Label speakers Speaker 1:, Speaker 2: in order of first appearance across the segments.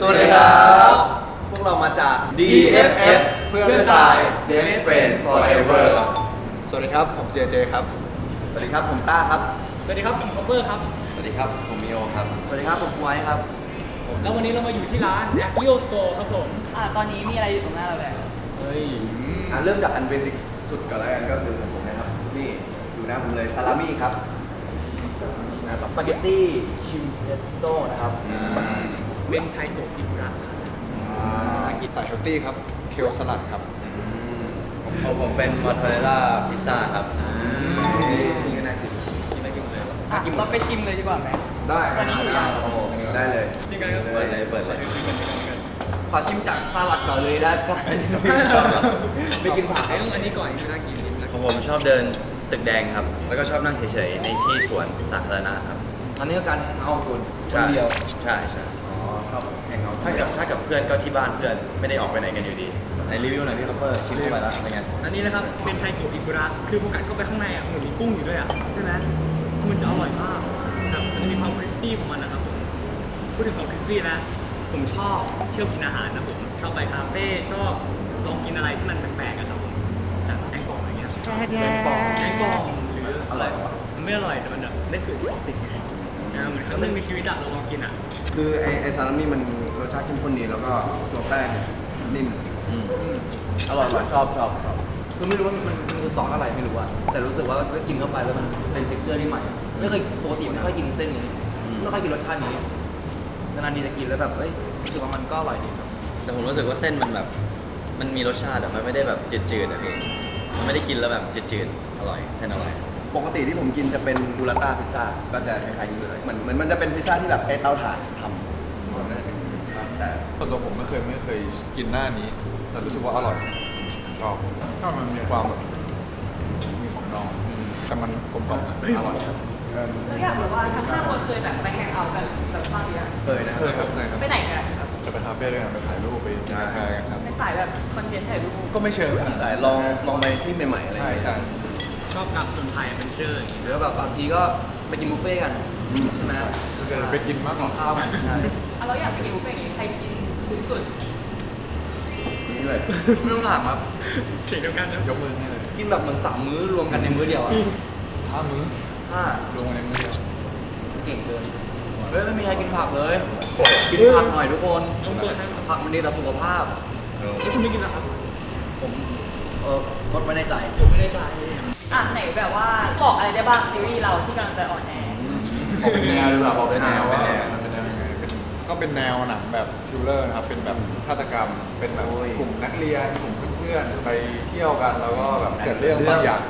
Speaker 1: สวัสดีครับ
Speaker 2: พวกเรามาจาก
Speaker 1: DFF เพื่อนตาย Best Friend Forever ครับสวัสดีครับผมเจเจครับ
Speaker 2: สวัสดีครับผมต้าครับ
Speaker 3: สวัสดีครับผมคอปเปอร์ครับ
Speaker 2: สวัสดีครับผมมิโอครับ
Speaker 4: สวัสดีครับผมฟวยครับ
Speaker 3: แล้ววันนี้เรามาอยู่ที่ร้าน a g r i o Store ครับผม
Speaker 4: ตอนนี้มีอะไรอยู่ตรงหน้าเราแบบ
Speaker 3: เฮ้ย
Speaker 2: เริ่มจากอันเบสิกสุดก่อนแล้วกันก็คือของผมนะครับนี่อยู่หน้าผมเลยซาลามี่ครับ
Speaker 4: สปาเกตตี้ชิมเพสโต้นะครับ
Speaker 3: เมนไทโกะอิกุระครับ
Speaker 1: อังกฤษสายเฮลตี้ครับเคลสลัดครับ
Speaker 2: ของผมเป็นมอสซาเรลล่าพิซซ่าครับนี่ก็น่ากินเลย
Speaker 4: เราไปชิมเลยดีกว่าไหม
Speaker 1: ได้
Speaker 2: ได้เลย
Speaker 3: จริงกันครับ
Speaker 2: เปิดเลย
Speaker 4: ขอชิมจากสลัดก่อนเลยแล้วกันไม่กินผัก
Speaker 3: อันนี้ก่อนน่ากินนิดนะ
Speaker 2: ของผมชอบเดินตึกแดงครับแล้วก็ชอบนั่งเฉยๆในที่สวนสาธารณะครับ
Speaker 4: อันนี้ก็การเอาคุณ
Speaker 2: คนเดียวใช่ชอบแฮงเอาท์ถ้ากับเพื่อนก็ที่บ้านเพื่อนไม่ได้ออกไปไหนกันอยู่ดีในรีวิวหน่อยพี่คัพเปอร์ชิมเข้าไปแล้วเป็นไง
Speaker 3: อันนี้นะครับเป็นไทโกะอิกุระคือโฟกัสเข้าไปข้างในเหมือนมีกุ้งอยู่ด้วยใช่ไหมมันจะอร่อยมากแบบมันจะมีความคริสปี้ของมันนะครับผมพูดถึงความคริสปี้นะผมชอบเที่ยวกินอาหารนะผมชอบไปคาเฟ่ชอบลองกินอะไรที่มันแปลกๆครับผมจากแกงกล่องอะไรเงี้ยแกงกล่องหรือ
Speaker 2: อร่อยปะ
Speaker 3: มันไม่อร่อยแต่มันแบบได้สูตรซอสติดไงเหมือนครั้งหนึงในชีวิตเราลองกิน
Speaker 2: คือไอซาลามี่มันรสชาติเข้มข้นดีแล้วก็ตัวแป้งนิ่มอร่อยชอบ
Speaker 4: คือไม่รู้ว่ามันคือซอสอะไรไม่รู้อะแต่รู้สึกว่ากินเข้าไปแล้วมันเป็นเท็กเจอร์ที่ใหม่ไม่เคยปกติไม่ค่อยกินเส้นนี้ไม่ค่อยกินรสชาตินี้นานๆทีจะกินแล้วแบบรู้สึกว่ามันก็อร่อยดีครับ
Speaker 2: แต่ผมรู้สึกว่าเส้นมันแบบมันมีรสชาติมันไม่ได้แบบจืดๆนะพี่มันไม่ได้กินแล้วแบบจืดๆอร่อยเส้นอร่อยปกติที่ผมกินจะเป็นบูราต้าพิซซ่าก็จะคล้ายๆนี้เลยมันจะเป็นพิซซ่าที่แบบใช้เตาถ่านทำแต่
Speaker 1: ส่วนตัวผมไม่เคยกินหน้านี้แต่รู้สึกว่าอร่อยชอบถ้ามันมีความแบบมีของดองแต่มันกลมกล่อมอร่อยครับ
Speaker 4: เราอยากรู้ว่าทั้ง5 คนเคยแบบไปแฮงเอาท์กันแบบบ้างหรือยัง
Speaker 2: เคยนะครับ
Speaker 4: ไปไหนกันครับ
Speaker 1: จะไปคาเฟ่ด้วยกันไปถ่ายรูปไปกินกาแฟกันครับ
Speaker 4: ในสายแบบคอนเทนต์ถ่ายรูป
Speaker 1: ก็ไม่เชิงขนาด
Speaker 2: สายลองไปที่ใหม่ๆอะไรอย่างเงี้ย
Speaker 1: ใช่
Speaker 3: ชอบกับจนไทยเป็นเจอร์
Speaker 4: หรือแบบบางทีก็ไปกินบุฟเฟ่กันใช่ไหม
Speaker 1: ไปกินมากกว่า
Speaker 4: ข้าวกันใช่เราอยากไปกินบุฟเฟ่นี้ใครกินคุ้มสุด
Speaker 2: นี่เลย
Speaker 4: ไม่ต้องถามครับ
Speaker 3: เสียงเดียวกันนะ
Speaker 1: ยกมือให้เลย
Speaker 4: กินแบบเหมือน3 มื้อรวมกันในมื้อเดียวอะ
Speaker 1: 5 มื้อรวมกันในมื้อเดียว
Speaker 4: เก่งเกินไม่มีใครกินผักเลยกินผักหน่อยทุกคนผักมันดีต่อสุขภาพ
Speaker 3: แล้วคุณไม่กินหรอครับ
Speaker 4: ผมลดไว้ในใจ
Speaker 3: ผมไม่ได้ใจ
Speaker 4: ไหนแบบว่าบอกอะไรได้บ้างซีรีส์เราที่กำลังจะออนแอร์
Speaker 1: บอกเป็นแนวหรือเปล่าบอกเป็นแนวว่าเป็นแนวยังไงก็เป็นแนวหนังแบบทริลเลอร์นะครับเป็นแบบฆาตกรรมเป็นแบบกลุ่มนักเรียนกลุ่มเพื่อนๆไปเที่ยวกันแล้วก็แบบเกิดเรื่องบางอย่าง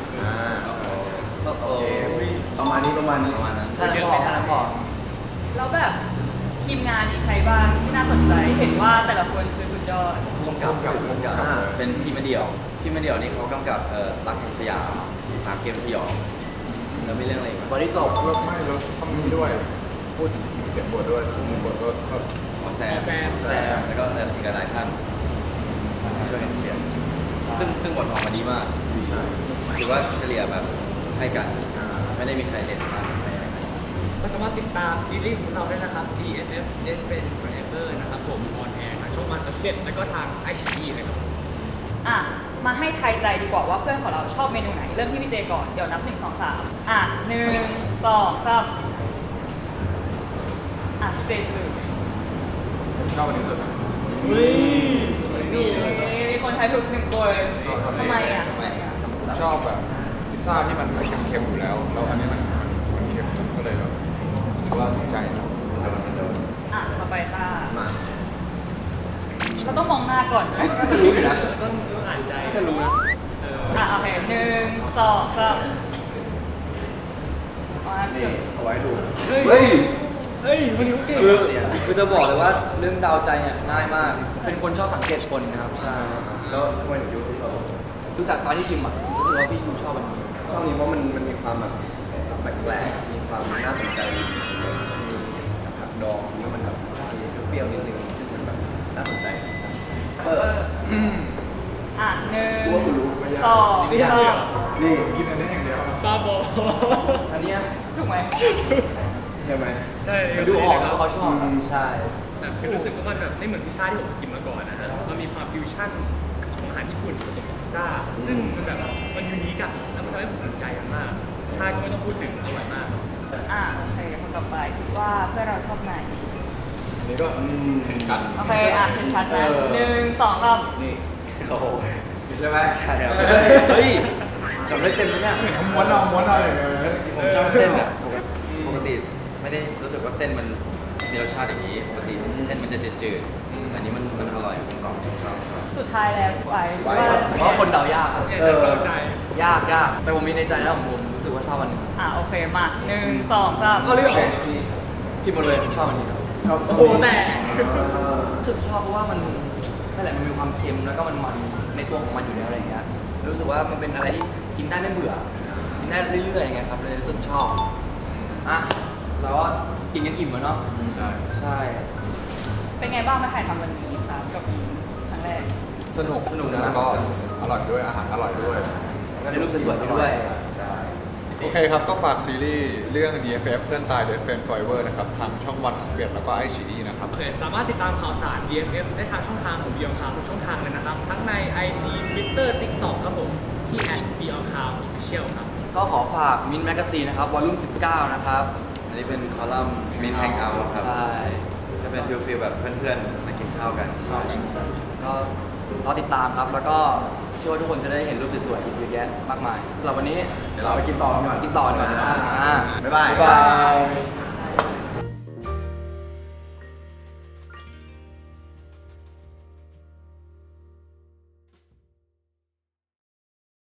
Speaker 2: ประมาณนั้น
Speaker 4: ท่านบอกแล้วแบบทีมงานอีกใครบ้างที่น่าสนใจเห็นว่าแต่ละคนคือสุดยอด
Speaker 2: กำกับเป็นพี่มาเดี่ยวนี่เขากำกับรักแห่งสยาม3 เกมสยองแล้วมีเรื่องอะไรอีก
Speaker 4: บริสุทธิ์
Speaker 1: รถต้องมีด้วยพูดถึงเขียนบทด้วยมือบทก็
Speaker 2: แซมแล้วก็อีกหลายท่านช่วยกันเขียนซึ่งบทออกมาดีมากถือว่าเฉลี่ยแบบให้กันไม่ได้มีใครเด่นมาก
Speaker 3: ก็สามารถติดตามซีรีส์ของเราได้นะครับ DFF Best Friend Forever นะครับผมออนแอร์ทางช่องวัน31แล้วก็ทาง iQIYI นะครับ
Speaker 4: มาให้ทายใจดีกว่าว่าเพื่อนของเราชอบเมนูไหนเริ่มที่พี่เจก่อนเดี๋ยวนับ1 2 3 1 2 3พี่เจชื่อ
Speaker 1: ชอบอันนี้สุดนะ
Speaker 4: มีคนทายถูก1 คนทำไม
Speaker 1: ชอบแบบพิซซ่าที่มันเค็มๆอยู่แล้วอันนี้มันเค็มก็เลยแบบคิดว่าถูกใจนะ
Speaker 2: โดน
Speaker 4: ต่อไปต้า
Speaker 2: มา
Speaker 4: เราต้องมองหน้าก่อน
Speaker 3: ก็จะรู้อยู่นะต้องอ่านใจ
Speaker 4: จะรู้นะโอเค1 2 3
Speaker 2: นี่เอาไว้ดู
Speaker 3: เฮ้ยวันนี้เก่ง
Speaker 4: คือจะบอกเลยว่าเรื่องดาวใจเนี่ยง่ายมากเป็นคนชอบสังเกตคนนะครับใช่
Speaker 2: แล้วทำไมถึงดูชอบ
Speaker 4: ดูจากตอนที่ชิมรู้สึกว่าพี่ดูชอบมัน
Speaker 2: ชอบนี้เพราะมันมีความแบบแปลกๆมีความน่าสนใจมีผักดองแล้วมันแบบเปรี้ยวนิดนึงซึ่งมันแบบน่าสนใจ
Speaker 4: 1 2
Speaker 1: นี่กินอันนี้อย่างเดียว
Speaker 3: บ้าบอ
Speaker 4: อันนี้ถูกไหม
Speaker 2: ใช่ไหม
Speaker 3: ใช่
Speaker 4: ดูออกแล้วเขาชอบใช่
Speaker 3: แบบคือรู้สึกว่ามันแบบไม่เหมือนพิซซ่าที่ผมกินมาก่อนนะฮะมันมีความฟิวชั่นของอาหารญี่ปุ่นผสมกับพิซซ่าซึ่งมันแบบมันยูนิคอะแล้วมันทำให้ผมสนใจมันมากชาติก็ไม่ต้องพูดถึงอร่อยมาก
Speaker 5: โอเคคนต่อไปคิดว่าเพื่อนเราชอบไหน
Speaker 1: อันนี้ก็เห็นกัน
Speaker 5: โอเคเห็นชัดนะหนึ่งสองสาม
Speaker 2: นี่โอ้โหใช่ไหมใช่ครับ
Speaker 4: เฮ้ยจำได้เต็มเลยเนี่ย
Speaker 1: ม้วนเอาอย่างเงี้ย
Speaker 2: ผมชอบเส้นอ่ะปกติไม่ได้รู้สึกว่าเส้นมันมีรสชาติอย่างนี้ปกติเส้นมันจะจืดๆแต่อันนี้มันอร่อยกลมๆชอบ
Speaker 5: สุดท้ายแล้วพี่ไว้ว่า
Speaker 4: เพราะว่าคนเดายากอะ
Speaker 3: เนี่ยแต่เข้าใจ
Speaker 4: ยากแต่ผมมีในใจแล้วผมรู้สึกว่าชอบอันหนึง
Speaker 5: โอเคมาหนึ่งสองสาม
Speaker 3: เอาเรื่อง
Speaker 4: พี่หมดเลยผมชอบอันนี้
Speaker 3: โอ้โหแต่
Speaker 4: รู้สึกชอบเพราะว่ามันนั่นแหละมันมีความเค็มแล้วก็มันในตัวของมันอยู่แล้วอะไรอย่างเงี้ยรู้สึกว่ามันเป็นอะไรที่กินได้ไม่เบื่อกินได้เรื่อยๆอย่างเงี้ยครับเลยรู้สึกชอบแล้วก็กินกันอิ่มแล้วเนาะ
Speaker 1: ได้
Speaker 4: ใช่
Speaker 5: เป็นไงบ้างมาถ่ายทำวันนี้ครับกับอีครั้งแรก
Speaker 1: สนุก
Speaker 4: นะ
Speaker 1: แล้วก็อร่อยด้วยอาหารอร่อยด้วย
Speaker 4: แล้วก็ได้รูปสวยๆไปด้วย
Speaker 1: โอเคครับ ก็ฝากซีรีส์เรื่อง DFF เพื่อนตาย Dead Friend Forever นะครับ ทางช่องวัน31แล้วก็ iQIYI นะครับ
Speaker 3: โอเคสามารถติดตามข่าวสาร DFF ได้ทางช่องทางของ Beyond Cloud ทุกช่องทางเลยนะครับ ทั้งใน IG Twitter TikTok ครับผมที่ @Beyond Cloud Official ครับ
Speaker 4: ก็ขอฝากมินแมกซีนนะครับวอลลุ่ม19นะครับ
Speaker 2: อันนี้เป็นคอลัมน์มินแฮงเอาท์ครับ
Speaker 4: ใช่
Speaker 2: จะเป็นฟิลแบบเพื่อนๆมากินข้าวกัน
Speaker 4: ก็รอติดตามครับแล้วก็เชื่อว่าทุกคนจะได้เห็นรูปสวยๆอีกเยอะแยะมากมายสำหรับวันนี้
Speaker 2: เดี๋ยวเราไปกินต่อกันก่อน
Speaker 4: กินต่อดีกว่า
Speaker 2: บ๊ายบาย
Speaker 4: บ๊ายบาย